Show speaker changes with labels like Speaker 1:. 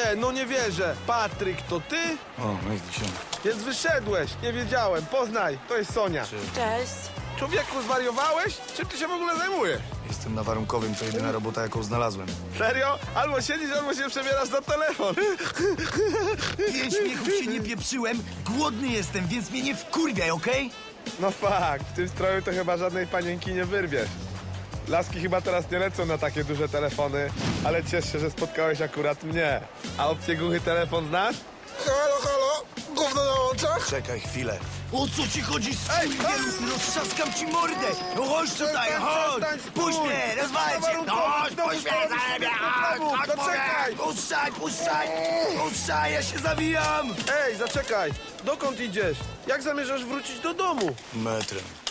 Speaker 1: no nie wierzę. Patryk, to ty?
Speaker 2: O, no i się.
Speaker 1: Więc wyszedłeś, nie wiedziałem. Poznaj, to jest Sonia.
Speaker 3: Cześć.
Speaker 1: Człowieku, zwariowałeś? Czym ty się w ogóle zajmujesz?
Speaker 2: Jestem na warunkowym, to jedyna robota, jaką znalazłem.
Speaker 1: Serio? Albo siedzisz, albo się przebierasz na telefon.
Speaker 2: Pięć śmiechów się nie pieprzyłem, głodny jestem, więc mnie nie wkurwiaj, okej?
Speaker 1: No fakt, w tym stroju to chyba żadnej panienki nie wyrwiesz. Laski chyba teraz nie lecą na takie duże telefony, ale ciesz się, że spotkałeś akurat mnie. A opcję głuchy telefon znasz?
Speaker 4: Halo, halo? Gówno na oczach?
Speaker 2: Czekaj chwilę. O co ci chodzi,
Speaker 1: Ej,
Speaker 2: skurwielu? Roztrzaskam ci mordę! No chodź tutaj, chodź! Puść mnie, rozwalę cię! No chodź, puść mnie, zajebie! Chodź,
Speaker 1: Zaczekaj!
Speaker 2: Puszczaj, puszczaj! Puszczaj, ja się zawijam!
Speaker 1: Ej, zaczekaj! Dokąd idziesz? Jak zamierzasz wrócić do domu?
Speaker 2: Metrem.